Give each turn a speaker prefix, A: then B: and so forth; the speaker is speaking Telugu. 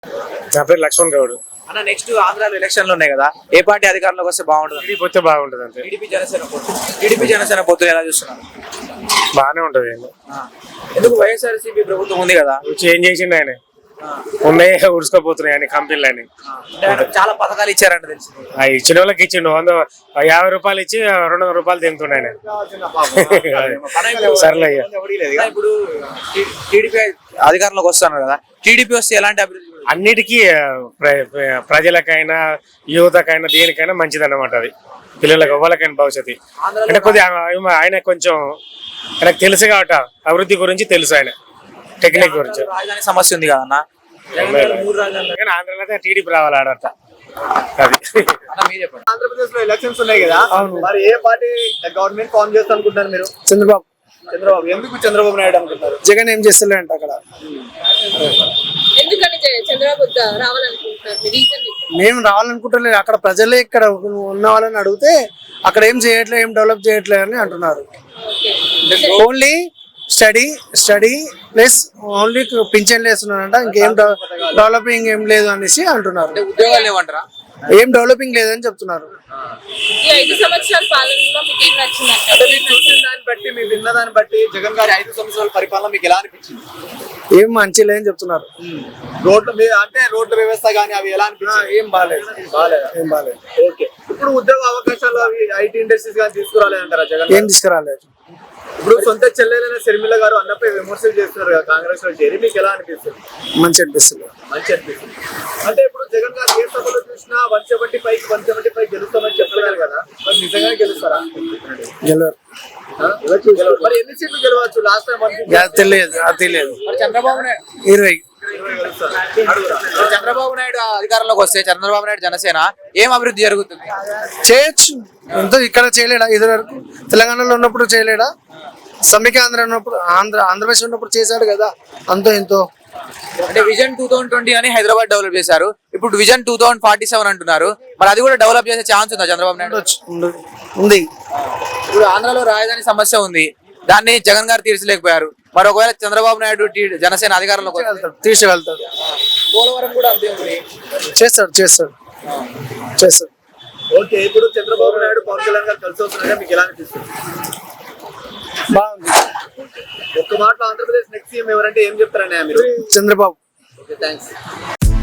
A: నా పేరు లక్ష్మణ్ గౌడ్.
B: అన్న నెక్స్ట్ ఆంధ్రాలో ఎలక్షన్లు ఉన్నాయి కదా, ఏ పార్టీ అధికారంలోకి వస్తే బాగుంటుంది?
A: టీడీపీ వస్తే బాగుంటుంది అంతే.
B: టీడీపీ జనసేన పొత్తులు ఎలా చూస్తున్నారు?
A: బాగానే ఉంటది.
B: ఎందుకు వైఎస్ఆర్సీపీ ప్రభుత్వం ఉంది కదా,
A: చేంజ్ చేసిండు ఆయన, ఉన్నాయి ఉడుచుకోపోతున్నాయి అని కంపెనీలు అని.
B: చాలా పథకాలు ఇచ్చారంట తెలిసి.
A: ఇచ్చిన వాళ్ళకి ఇచ్చిండు 150 రూపాయలు ఇచ్చి 200 రూపాయలు తింటుండే ఆయన. సర్లే అయ్యా.
B: ఇప్పుడు టీడీపీ అధికారంలోకి వస్తున్నారు కదా, టీడీపీ వస్తే ఎలాంటి అభివృద్ధి?
A: అన్నిటికీ ప్రజలకైనా యువతకైనా దేనికైనా మంచిది అన్నమాట. అది పిల్లలకు ఎవరికైనా భవిష్యత్తు అంటే కొద్దిగా ఆయన కొంచెం ఆయనకు తెలుసు కాబట్టి అభివృద్ధి గురించి తెలుసు, ఆయన టెక్నిక్ గురించి.
B: రాజధాని సమస్య ఉంది కదా అన్న,
A: ఆంధ్రలో టీడీపీ రావాలి ఆడట. అది
C: ఆంధ్రప్రదేశ్ లో ఎలక్షన్స్ ఉన్నాయి కదా, మరి ఏ పార్టీ గవర్నమెంట్ ఫార్మ్ చేస్తా అనుకుంటున్నారు మీరు?
D: చంద్రబాబు.
C: ఎందుకు చంద్రబాబు నాయుడు అనుకుంటారు?
D: జగన్ ఏం చేస్తలే అంట అక్కడ. మేము రావాలనుకుంటలేదు, అక్కడ ప్రజలే ఇక్కడ ఉన్న వాళ్ళని అడిగితే అక్కడ ఏం చేయట్లేదు, ఏం డెవలప్ చేయట్లేదు అని అంటున్నారు. ఓన్లీ స్టడీ ప్లస్ ఓన్లీ పింఛన్లు వేస్తున్నారంట, ఇంకేం డెవలపింగ్ ఏం లేదు అనేసి అంటున్నారు.
B: ఉద్యోగాలు ఏమంటారా?
D: ఏం డెవలపింగ్ లేదని చెప్తున్నారు.
E: ఈ 5 సంవత్సరాల పాలనలో మీకు ఏం నచ్చింది?
C: అంటే మీరు చూసిన దాన్ని బట్టి, మీరు విన్న దాన్ని బట్టి జగన్ గారి 5 సంవత్సరాల పరిపాలన మీకు ఎలా అనిపించింది?
D: ఏం మంచి లేదని చెప్తున్నారు.
C: రోడ్ల వ్యవస్థ కానీ అవి ఎలా అనిపించింది?
D: ఏం బాగాలేదు.
C: ఓకే, ఇప్పుడు ఉద్యోగ అవకాశాలు అవి ఐటీ ఇండస్ట్రీస్ కానీ తీసుకురాలేదంటారా జగన్?
D: ఏం తీసుకురాలేదు.
C: ఇప్పుడు సొంత చెల్లెలైన శర్మిల గారు అన్నపై విమర్శలు చేస్తున్నారు కదా కాంగ్రెస్ లో చేరి, మీకు ఎలా అనిపిస్తుంది?
D: మంచి అనిపిస్తుంది.
C: అంటే ఇప్పుడు జగన్ గారు ఏ సభలో చూసినా 175 గెలుస్తామని చెప్పలేరు కదా, మరి నిజంగానే గెలుస్తారా?
D: గెలవరు.
C: మరి ఎన్ని సీట్లు గెలవచ్చు? లాస్ట్ టైం
D: తెలియదు.
B: మరి చంద్రబాబు నాయుడు
D: 20.
B: చంద్రబాబు నాయుడు అధికారంలోకి వస్తే, చంద్రబాబు నాయుడు జనసేన ఏం అభివృద్ధి జరుగుతుంది?
D: చేయొచ్చు. ఎంతో ఇక్కడ చేయలేడా? ఇదివరకు తెలంగాణలో ఉన్నప్పుడు చేయలేడా? సమ్మిక ఆంధ్రప్రదేశ్ ఉన్నప్పుడు చేశాడు కదా, అంతో ఎంతో.
B: అంటే విజన్ 2020 అని హైదరాబాద్ డెవలప్ చేశారు, ఇప్పుడు విజన్ 2047 అంటున్నారు. మరి అది కూడా డెవలప్ చేసే ఛాన్స్ ఉందా చంద్రబాబు నాయుడు?
D: ఉంది.
B: ఇప్పుడు ఆంధ్రాలో రాజధాని సమస్య ఉంది, దాన్ని జగన్ గారు తీర్చలేకపోయారు. మరి ఒకవేళ చంద్రబాబు నాయుడు జనసేన అధికారంలోకి
D: తీసుకెళ్తాడు.
B: పోలవరం కూడా అంతే ఉంది.
D: చేస్తాడు.
C: ఓకే, ఇప్పుడు చంద్రబాబు నాయుడు పవన్ కళ్యాణ్ గారు కలిసి వస్తున్నారా, మీకు ఎలా అనిపిస్తుంది?
D: బాగుంది.
C: ఒక్క మాటలో ఆంధ్రప్రదేశ్ నెక్స్ట్ సీఎం ఎవరంటే ఏం చెప్తారనే మీరు?
D: చంద్రబాబు.
C: Okay, thanks.